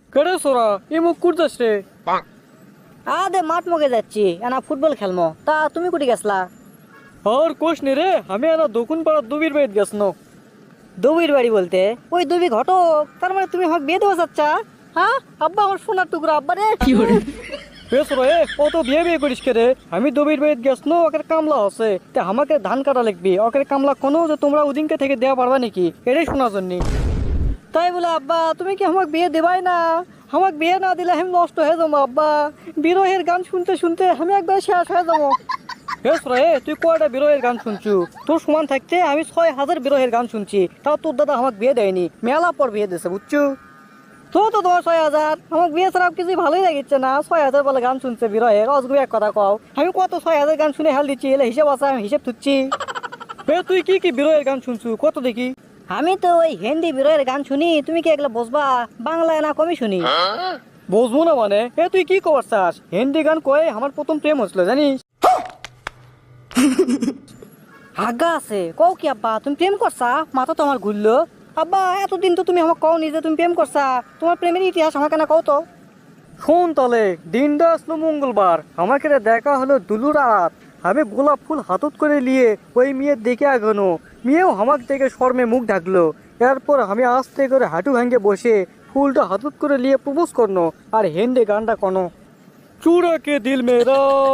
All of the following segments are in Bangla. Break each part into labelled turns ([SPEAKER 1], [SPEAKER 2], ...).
[SPEAKER 1] কেড়ে সোরা এই মুখ করতেছ রে?
[SPEAKER 2] আদে মাঠ মগে যাচ্ছি এনা ফুটবল খেলমো। তা তুমি কুটি গেছলা?
[SPEAKER 1] আর কোষ নি রে, আমি এনা দক্ষিণ পাড়ার দুবির বাড়িতে গেছনো।
[SPEAKER 2] দুবির বাড়ি বলতে ওই দুবি ঘটক? তার মানে তুমি আমাকে বিয়ে দেওয়া চাচ্ছা? হ্যাঁ আব্বা, আমার সোনার টুকরা আব্বা রে।
[SPEAKER 1] বেশ রে, ও তো বিয়ে বিয়ে করিস কে রে? আমি দুবির বাড়িতে গেছনো, ওকে কামলা আছে তে আমাকে ধান কাটা লাগবি। ওকে কামলা কোনো যে তোমরা ওদিনকে থেকে দেওয়া পারবা নাকি, এটাই শোনার জন্য।
[SPEAKER 2] তাই বলে আব্বা তুমি কি আমাকে বিয়ে দেবাই না? আমাকে বিয়ে না দিলে আমি নষ্ট হয়ে যাবো আব্বা। বিরহের গান শুনতে শুনতে আমি একবার শেষ হয়ে যাবো।
[SPEAKER 1] বেশ রে, তুই কয়টা বিরহের গান শুনছু? তোর সমান থাকতে আমি 6,000 বিরহের গান শুনছি, তাও তোর দাদা আমাকে বিয়ে দেয়নি, মেলা পর বিয়ে দিয়েছে বুঝছু।
[SPEAKER 2] তো তো তোমার 6,000 আমাকে বিয়ে ছাড়া কিছুই ভালোই লাগিচ্ছে না। 6,000 বলে গান শুনছে বিরহের, অজগু এক কথা কও। আমি কত 6,000 গান শুনে হেল দিচ্ছি, এলে হিসেব আছে, আমি হিসেব তুচ্ছি।
[SPEAKER 1] তুই কি কি বিরহের গান শুনছু কত দেখি?
[SPEAKER 2] আমি তো ওই হিন্দি বিরহের গান শুনি, তুমি কি এগুলো বুঝবা? বাংলায় না কমই শুনি।
[SPEAKER 1] বুঝবো না মানে? তুই কি খবর চাস? হিন্দি গান কয়ে আমার প্রথম প্রেম হচ্ছিল জানিস।
[SPEAKER 2] হাগা আছে কও কি আব্বা, তুমি প্রেম করছা? মাথা তো আমার ঘুরলো। আব্বা এতদিন তো তুমি আমাকে কও নি যে তুমি প্রেম করছা। তোমার প্রেমের ইতিহাস আমাকে না কও তো।
[SPEAKER 1] শোন তাহলে, দিনটা আসলো মঙ্গলবার, আমাকে রে দেখা হলো দুলুর রাত। আমি গোলাপ ফুল হাতত করে নিয়ে ওই মেয়ের দেখে আগানো, মেয়েও আমাকে দেখে শর্মে মুখ ঢাকলো। এরপর আমি আস্তে করে হাঁটু ভাঙ্গে বসে ফুলটা হাতত করে নিয়ে প্রপোজ করনো, আর হিন্দি গানটা কোনো चूड़ा के दिल मेरा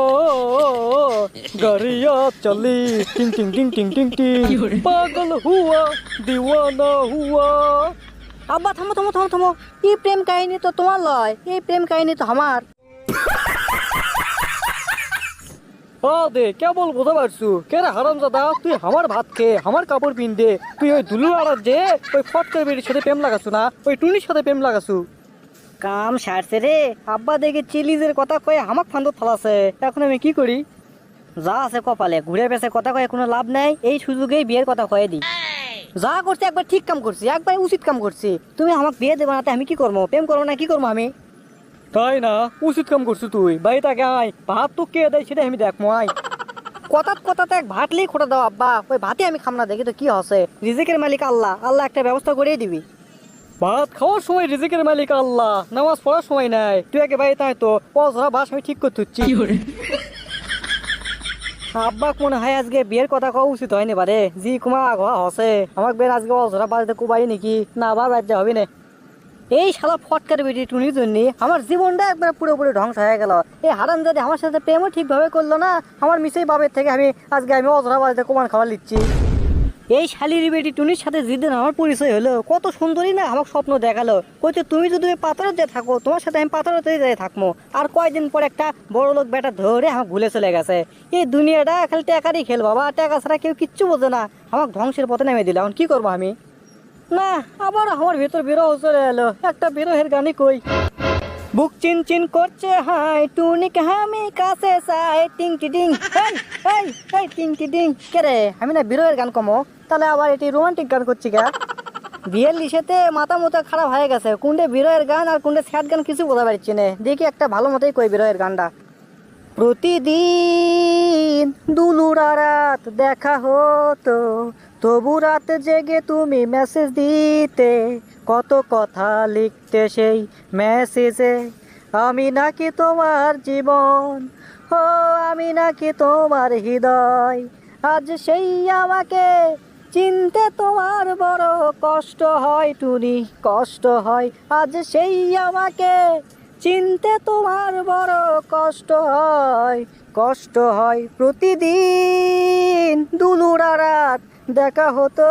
[SPEAKER 1] गरिया चली टिंग टिंग टिंग टिंग टिंग टिंग पागल हुआ दीवाना हुआ।
[SPEAKER 2] আব্বা থামো থামো থামো থামো, এই প্রেম কাহিনী তো তোমার লয়, এই প্রেম কাহিনী তো আমার।
[SPEAKER 1] দে কেবল বোঝা পারছু কেরে হারামজাদা, তুই আমার ভাত খেয়ে আমার কাপড় পিন দে, তুই ওই দুলু আড়ার যে ওই ফটকের বেরির সাথে প্রেম লাগাছু না, ওই টুনির সাথে প্রেম লাগাছু।
[SPEAKER 2] কাম সারছে রে আব্বা, দেখে চিলিজের কথা কয়ে আমাক ফান্দ থালাছে। এখন আমি কি করি? যা আছে কপালে, ঘুরে পেছে কথা কয়ে কোনো লাভ নাই। এই সুযোগেই বিয়ের কথা কয়ে দিই। যা করছি একবার ঠিক কাম করছি, একবার উচিত কাম করছি। তুমি আমাকে বিয়ে দেবে না, আমি কি করবো? প্রেম করবো না কি করবো আমি?
[SPEAKER 1] তাই না? উচিত কাম করছু তুই। বাড়িটাকে আয়, ভাত তো কে দেয় সেটা আমি দেখবো আয়।
[SPEAKER 2] কথাত কথাতে এক ভাতলেই খোটা দাও আব্বা, ওই ভাতে আমি খাম না, দেখি তো কি হসে। রিজিকের মালিক আল্লাহ, আল্লাহ একটা ব্যবস্থা করেই দিবি।
[SPEAKER 1] ভাত খাওয়ার সময় রিজিকের মালিক আল্লাহ, নামাজ পড়ার সময় নাই। তুই একে বাড়িতে আয় তো, পড়া বাস আমি ঠিক করতে হচ্ছি।
[SPEAKER 2] আব্বা মনে হয় আজকে বিয়ের কথা কওয়া উচিত হয়নি বারে, জি কুমা ঘোয়া হসে। আমাকে বের আজকে অঝরা বাড়িতে কুবাই নাকি না, আবার রাজ্য হবে না। এই শালা ফটকার বেটি টুনির জন্য আমার জীবনটা একবার পুরোপুরি ধ্বংস হয়ে গেল। এই হারাম যদি আমার সাথে প্রেমও ঠিকভাবে করলো না, আমার মিসেই বাবের থেকে আমি অঝরা বাড়িতে কুমান খাবার লিচ্ছি। এই শালির বেটি টুনির সাথে যেদিন আমার পরিচয় হলো, কত সুন্দরী না আমাকে স্বপ্ন দেখালো। কইতে তুমি যদি ওই পাথরতে থাকো, তোমার সাথে আমি পাথরতে যাই থাকবো। আর কয়দিন পর একটা বড় লোক বেটা ধরে আমাকে ভুলে চলে গেছে। এই দুনিয়াটা খালি টাকারই খেল বাবা, টাকা ছাড়া কেউ কিচ্ছু বোঝে না। আমাকে ধ্বংসের পথে নেমে দিল, এখন কি করবো আমি? না, আবার আমার ভিতর বিরহ চলে এলো। একটা বিরহের গানই কই। বুক চিন চিন করছে হাই, টুনিকে আমি কাছে চাই, টিং টি টিং। এই এই এই টিং টি টিং কে রে? আমি না বিরহের গান কমো, তাহলে আবার এটি রোমান্টিক গান করছি গা? বিয়ের লিসেতে মাথা মতো খারাপ হয়ে গেছে, কোনটা বিরহের গান আর কোনটা স্যাড গান কিছু বোঝা পারছি না। দেখি একটা ভালো মতোই কই বিরহের গানটা। প্রতিদিন দুলুরা রাত দেখা হতো, তবু রাত জেগে তুমি মেসেজ দিতে, কত কথা লিখতে সেই মেসেজে। আমি নাকি তোমার জীবন, ও আমি নাকি তোমার হৃদয়। আজ সেই আমাকে চিনতে তোমার বড় কষ্ট হয় টুনি, কষ্ট হয়। আজ সেই আমাকে চিনতে তোমার বড় কষ্ট হয়, কষ্ট হয়। প্রতিদিন দুলুরা রাত দেখা হতো।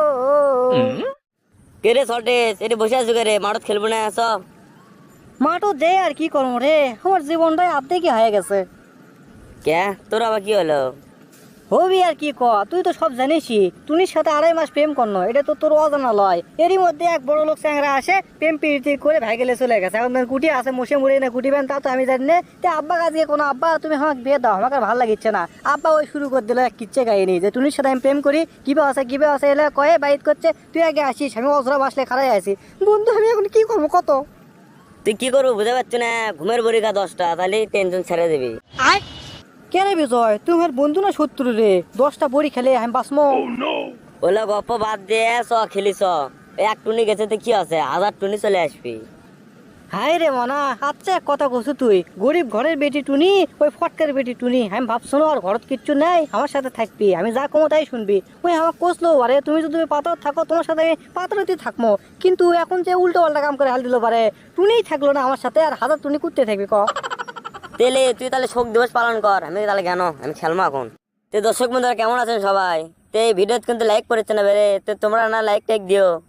[SPEAKER 3] কেরে সল্টেস এটি বসে আছো রে, মাঠত খেলবো না আস?
[SPEAKER 2] মাঠও দে আর কি করবো রে, আমার জীবনটাই আর্ধেকই হয়ে গেছে।
[SPEAKER 3] কে তোর আবার কি হলো?
[SPEAKER 2] হবি আর কি ক, তুই তো সব জানিসই। টুনির সাথে 2.5 মাস প্রেম করনো, এটা তো তোর অজানা লয়। এরই মধ্যে এক বড় লোক চ্যাংরা আসে, প্রেম প্রীতি করে ভাইগেলে চলে গেছে। এখন কুটি আছে, মুসে মুড়ে না কুটিবেন তা তো আমি জানি না। তে আব্বা আজকে কোনো আব্বা তুমি আমাকে বিয়ে দাও, আমাকে ভালো লাগিচ্ছে না। আব্বা ওই শুরু করে দিল এক কিচ্ছে কাহিনী যে টুনির সাথে আমি প্রেম করি, কিবে আছে এলে কয়ে বাইট করছে। তুই আগে আসিস, আমি অজরা বাসলে খারাই আছি। বন্ধু আমি এখন কি করবো কত?
[SPEAKER 3] তুই কি করবো বুঝতে পারছি না, ঘুমের পরীক্ষা 10টা, তাহলে টেনশন ছেড়ে দিবি।
[SPEAKER 2] কে রে বিজয়, তুই আমার বন্ধু না শত্রু রে? 10টা বড়ি খেলে আমি বাসমো?
[SPEAKER 3] ওলা গপ্প বাদ দিয়ে চ খেলি চ। এক টুনি গেছে তো কি আছে, 1000 টুনি চলে আসবি।
[SPEAKER 2] হাই রে মনা, আচ্ছা এক কথা কছু তুই, গরিব ঘরের বেটি টুনি, ওই ফটকার বেটি টুনি, আমি ভাবছো না আর ঘরত কিচ্ছু নাই, আমার সাথে থাকবি, আমি যা কমো তাই শুনবি। ওই আমার কোসলো পারে, তুমি যদি পাথর থাকো তোমার সাথে আমি পাথরতে থাকবো, কিন্তু এখন যে উল্টো পাল্টা কাম করে হাল দিল পারে, টুনিই থাকলো না আমার সাথে, আর হাজার টুনি করতে থাকবি ক।
[SPEAKER 3] তেলে তুই তাহলে শোক দিবস পালন কর, আমি তাহলে কেন আমি খেলবো এখন। তো দর্শক বন্ধুরা কেমন আছেন সবাই? তো এই ভিডিও কিন্তু লাইক করেছে না বেরে, তো তোমরা না লাইক টাইক দিও।